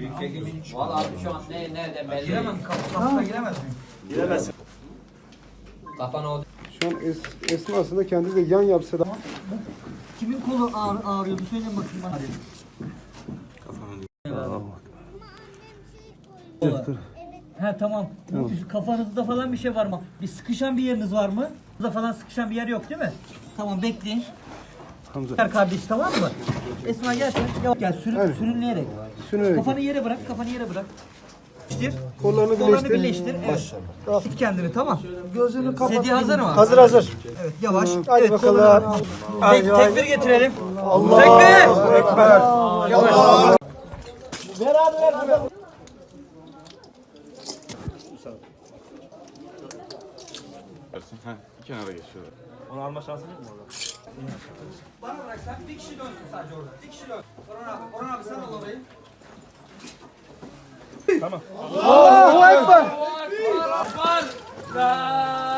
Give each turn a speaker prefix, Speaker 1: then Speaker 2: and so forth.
Speaker 1: Valla abi şu an nerede belli.
Speaker 2: Giremem, kafana giremez miyim?
Speaker 3: Giremezsin.
Speaker 1: Kafana o.
Speaker 4: Şu an esnasında kendi de yan yapsa da.
Speaker 2: Kimin kolu ağrıyordu? Söyleyin bakayım bana. He tamam. Kafanızda falan bir şey var mı? Bir sıkışan bir yeriniz var mı? Burada falan sıkışan bir yer yok değil mi? Tamam bekleyin.
Speaker 4: Hamza.
Speaker 2: Gel kardeş tamam mı? Esma gel sen. Gel
Speaker 4: Evet.
Speaker 2: sürünleyerek.
Speaker 4: Sürünerek.
Speaker 2: Kafanı yere bırak, kafanı yere bırak. Birleştir.
Speaker 4: Kollarını
Speaker 2: birleştir. Evet. Tut kendini tamam. Gözünü kapat. Sedye hazır mı?
Speaker 3: Hazır hazır.
Speaker 2: Evet yavaş.
Speaker 4: Hadi
Speaker 2: evet,
Speaker 4: bakalım.
Speaker 2: Tekbir getirelim.
Speaker 4: Allah.
Speaker 2: Tekbir.
Speaker 4: Ekber.
Speaker 2: Yavaş.
Speaker 3: Beraber burada.
Speaker 5: Ha, kenara geçiyorlar.
Speaker 3: Onu alma şansın yok mu orada?
Speaker 2: Bana bırak sen bir kişi dönsün sadece orada. Bir kişi dön. Orhan abi sen al orayı.
Speaker 3: Tamam.
Speaker 4: Allahu Ekber.
Speaker 1: La